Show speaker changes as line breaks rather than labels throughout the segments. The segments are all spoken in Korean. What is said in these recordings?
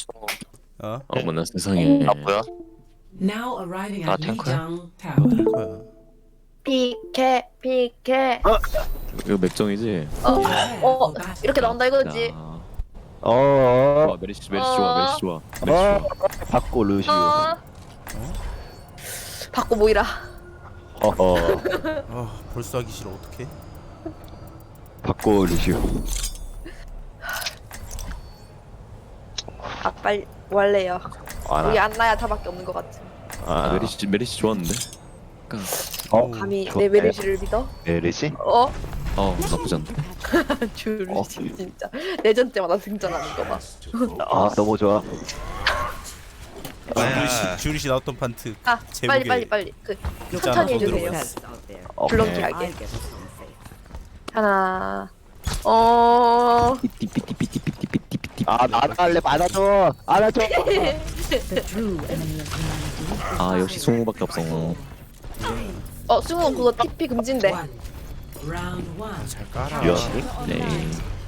어?
어머나 세상에.
아 뭐야?
Now arriving
아,
at
탱커야?
Lijiang Tower.
탱커야.
비케
이거 맥정이지?
이렇게 나온다 이거지.
좋아 메리시 좋아 메리시 좋아 메리시 좋아.
받고 루시오.
받고 모이라.
아 벌써 하기 싫어. 어떡해?
받고 루시오.
아 빨리 원래요. 우리
아,
안나야 다밖에 없는 것 같아.
아 메리시 좋았는데?
감히
좋네.
내 메르시를 믿어?
메르시?
나쁘지 않네.
주르시 진짜 내전 때마다 등장하는 거 봐.
아 너무 좋아.
주리씨 나왔던 판트.
아
제목에
빨리 그
진짜
천천히
하나 더
해주세요.
들어갔어.
블럭키하게. 하나.
삐띠삐띠삐띠삐띠삐띠삐띠.
아나 할래 받아줘. 안아줘.
아 역시 송우밖에 없어.
승우 그거 TP 금지인데.
One. Round one.
잘 깔아.
미안해.
네.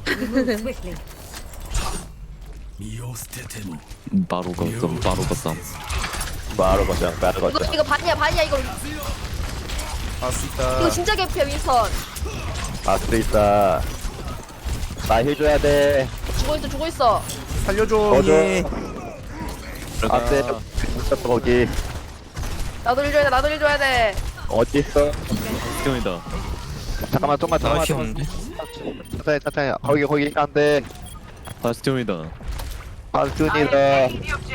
바로 걷삼 바로 걷삼.
바로 거장 바로 거장.
이거 반이야 이거.
할수
이거
있다.
진짜 개피야 윈선.
아스 있다. 나 해줘야 돼.
죽어 있어.
살려줘.
꺼줘.
예.
안돼. 거기
나도 일 줘야 돼.
어디 있어?
스티온이다.
잠깐만 좀만 잠깐만. 천천히. 거기 안돼.
스티온이다.
반순이다.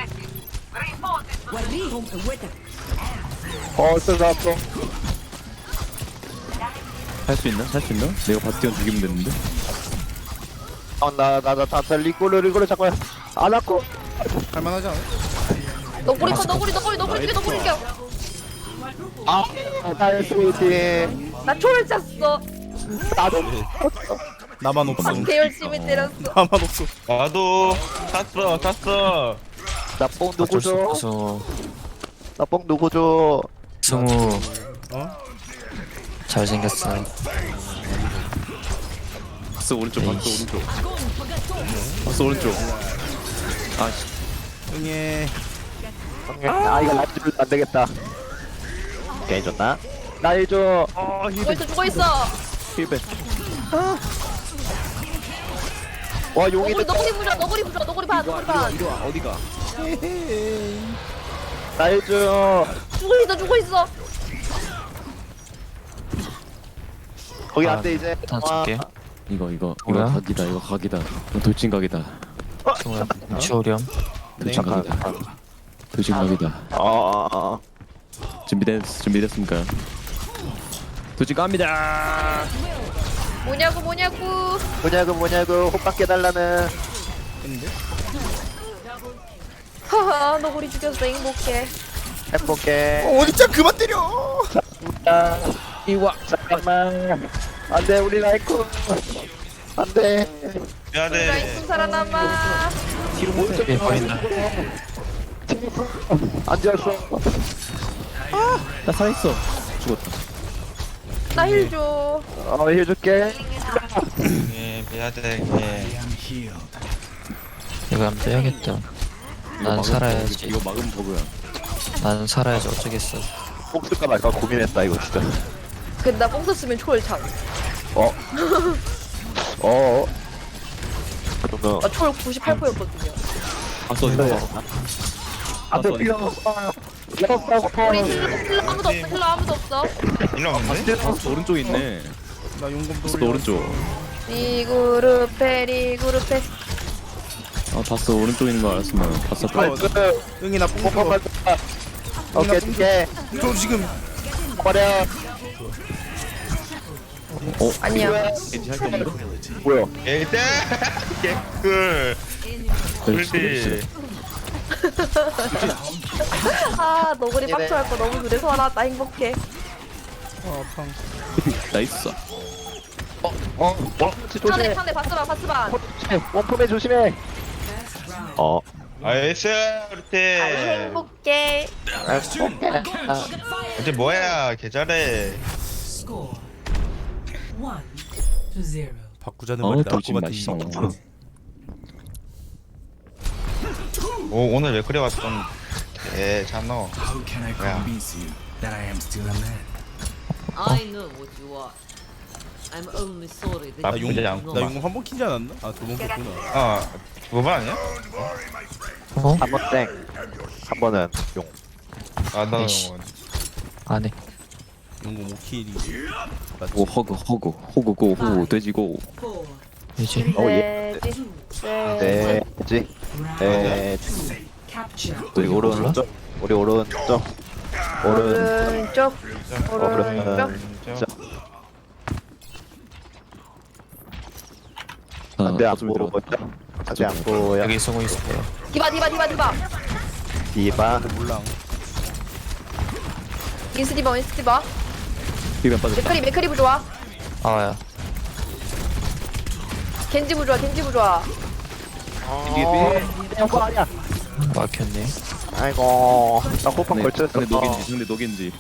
벌써 잡고.
할 수 있나? 내가 바스티온 죽이면 되는데.
나 리꼬를 잠깐 안 왔고.
할만하지 않아?
너구리 죽여.
나의 스위티.
나 초를 찼어.
나도.
나만 없어.
개 열심히 때렸어.
나만 없어.
나도 탔어.
나뽕 누구 줘?
없어.
나뽕 누구 줘?
승우
어?
잘생겼어.
박스 오른쪽. 박스 오른쪽. 아씨.
응애.
아 이거 라이트 안 되겠다. 괜히 줬나? 나 해줘.
죽어 있어.
힐백.
와 용이
너구리 반.
어디가?
나 해줘.
죽어 있어.
거기 안 돼 이제.
다 줄게.
이거
뭐야?
각이다. 이거 돌진각이다.
승우야 치오렴.
돌진각이다. 돌진각이다. 준비됐습니까? 돌진 갑니다.
뭐냐고.
뭐냐고 호박 깨달라는.
하하 너구리 죽였어 행복해.
행복해.
어디 그만 때려.
이와 잠깐만. 안돼 우리 라이코. 안돼.
미안해.
라이프 살아남아.
예 보인다.
앉았어.
나 살아있어. 죽었다.
나 힐 줘.
해줄게.
미안해.
이거 한번 빼야겠다. 난 살아야지.
이거 막으면 버그야.
난 살아야지 어쩌겠어.
꼭 쓸까 말까 고민했다 이거 진짜.
근데 나 뽕 썼으면 초월 참.
그러면
나 초월 98%였거든요.
박스 어디가?
안돼 필요 없어. 필요 없다고.
우리 힐러 아무도 없어.
일로 없는데?
박스 오른쪽에 있네.
나 용검
박스
돌려.
오른쪽.
리그룹해.
박스 오른쪽에 있는 거 알았으면 박스 앞에.
응이 나 뽕 줘.
오케이 오케이.
저 지금
버려.
아니야.
왠지 할게 없는데?
뭐야?
일단 개꿀. 꿀비.
아 너구리 빡쳐 할거 너무 그래서 나 행복해.
팡.
나이스.
조심해.
상대 바스반.
원품에 조심해.
나이스
아
우리
행복해.
어제 뭐야 개 잘해.
Score 1-0.
바꾸자는 말이 나올 것
돌진
같은
맛있어.
이
오 오늘 왜 그래 왔어 좀 괜찮어.
How can I
Yeah.
convince you that I am still a man?
I know what you are. I'm only sorry that
나
you
용자
do
양.
not.
나 용검 한 번 키지 않았나? 아, 두 번 켰구나.
두 번 아니야?
어?
한 번 땡. 한 번은 용.
아 나는
에이씨. 안해.
용검 5킬이.
오 허그 호구 고 돼지고.
4,
이제
돼지. 네.
돼지.
round
돼지.
capture.
우리 오른쪽. 우리 오른쪽. 오른쪽.
오른쪽. 오른쪽.
안돼 안
거점이
보여.
들어갔다.
안돼 안 보여.
여기 쓰고 있어요.
디바 디바 디바 디바.
디바.
몰랑.
윈스 디바 윈스 디바.
비변 빠졌다.
맥크리 부좋아.
아야.
겐지 부좋아 겐지 부좋아.
이거 아니야.
막혔네.
아이고. 나 호빵 걸쳤어.
상대 녹인지.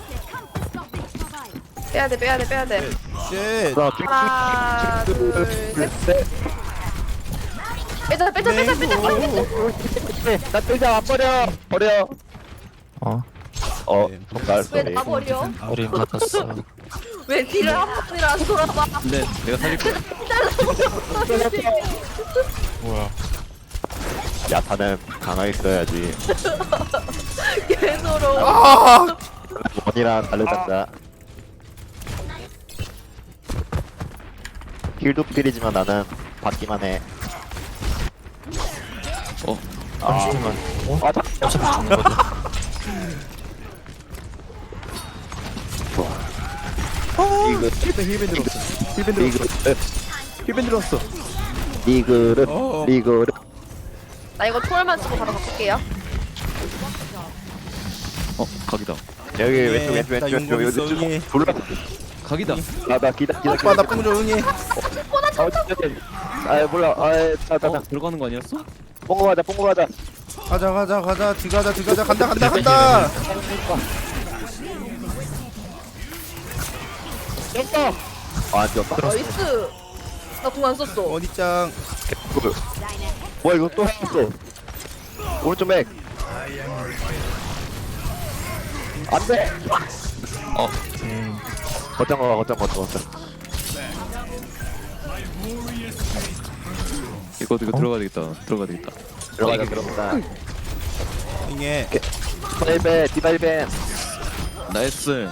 빼야돼 빼야돼 빼야돼.
쉣.
하나 둘셋. 빼자 빼자 빼자 빼자 빼자.
나 끌자 안 버려.
어?
정말
왜 나 버려?
우리 받았어.
왜 뒤를 한 번이라 안 돌아봐?
근데 내가 살릴 거야.
뭐야?
야타는 강하게 써야지.
개소로.
아!
원이랑 다르단다. 힐도 필이지만 나는 받기만 해.
잠시만. 어?
아,
어차피 죽는 거든.
이거
힐밴 들었어. 힐밴 들었어.
리그를
어.
리그를
나 이거 초월만 쓰고 바로 바꿀게요.
각이다.
여기
예,
왼쪽
나 용검 있어, 응애.
불러.
각이다.
나나 기다.
오빠 나 뽕줘 응애.
아 몰라. 나나
들어가는 거 아니었어?
뽕고 가자.
가자. 들어가자. 간다.
아 뛰었다.
나이스. 나 공 안 썼어.
어디짱.
뭐야 이거 또 했어. 오른쪽 맥. 안돼. 거점.
이거 들어가야 되겠다.
들어가자.
응애.
디바일벤.
나이스.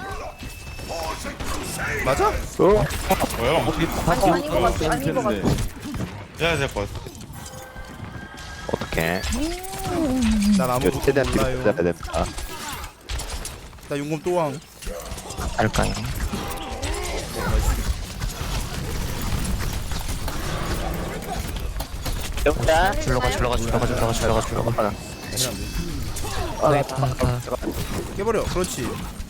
맞아?
뭐야?
아닌 것 같아. 아닌 것 같아.
해야 될 것 같아.
어떡해.
난 아무것도
최대한 뒤로
몰라요.
빼야 된다.
나 용검 또왕.
할까요?
영자.
줄러가.
깨버려. 그렇지.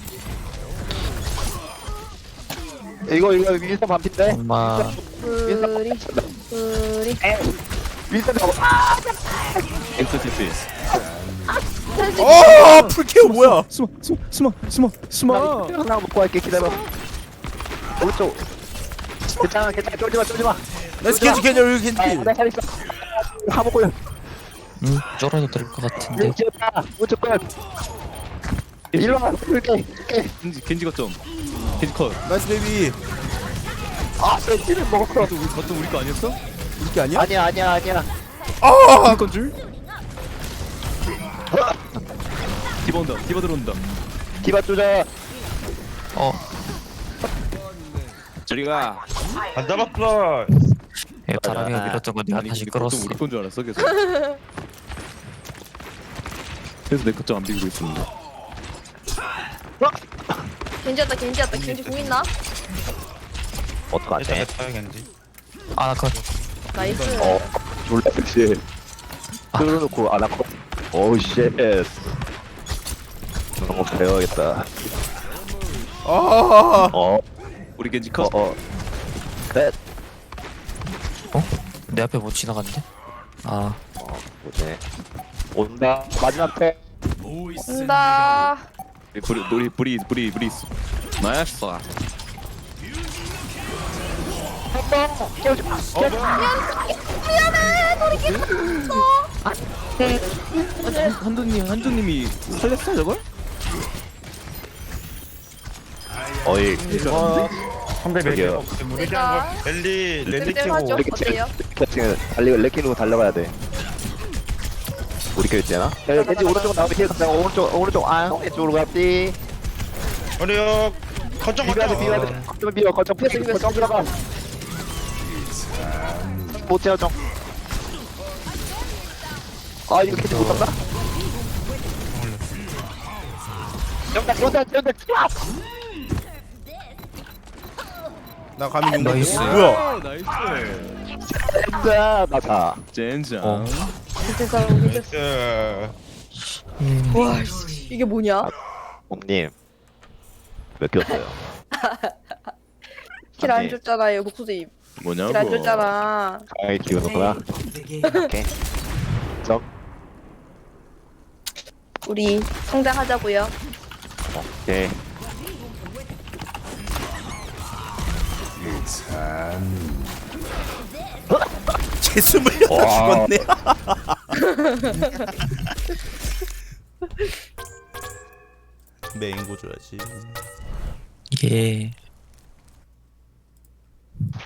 이거 윈스턴 반핀데.
엄마.
우리
윈스턴
엑스티피.
풀케어 뭐야?
숨어.
하나 먹고 갈게. 기다려. 오른쪽. 괜찮아. 쫄지마.
나이스 겐지 여기 겐지.
내가 잘 있어. 다 먹고요.
쫄아도 될 것 같은데.
오른쪽 끝. 일로 와. 이렇게.
겐지 거점. 겐지 컷.
나이스 베이비.
벤치를 먹었어.
거점 우리 거 아니었어?
이게 아니야?
아니야.
아!
우리 건 줄? 디바 들어온다.
디바 쪼자.
저리 가.
안 잡았어.
다람이가 밀었던 거 내가 다시 끌었어.
우리 건 줄 알았어 계속. 그래서 내 거점 안 비비고 있었는데.
겐지 공 있나?
어떡하지?
됐다 겐지.
아, 컷.
나이스.
졸라 섹시해. 끌어놓고 안 하고. 오우 쉣. 너무 배워야겠다.
아!
우리 겐지 컷.
셋.
내 앞에 못 지나갔는데? 아,
뭐지? 온다. 마지막 패.
온다.
우리 브리 있어. 나이스.
미안해. 우리 겐지 없어.
한두님이 살렸어 저걸?
어이
상대
저기요.
맥이 무리한 걸 랠리 랠리
쌤쌤하죠?
키고
어때요?
레키누고 달려가야 돼. 우리 껴 있잖아. 야, 겐지 오른쪽 나오면 뒤에 가자. 오른쪽 왼쪽으로 갔지.
어려요 거점
비벼야 돼,
거점
비벼야 돼. 거점 비벼, 거점 들어가. 못 채워줘. 아, 이거 겐지 못 잡나? 연다.
나 감히 용
나이스.
뭐야
나이스.
연다, 나다.
젠장.
어.
진짜
나이스
와 씨, 이게 뭐냐?
님 몇 켰어요?
킬 안 줬잖아요 목소리.
뭐냐고?
킬 안 줬잖아.
강하게 키우는구나.
The game.
오케이. 적.
우리 성장하자고요.
오케이.
재수 물렸다
와.
죽었네 메인고 줘야지
이게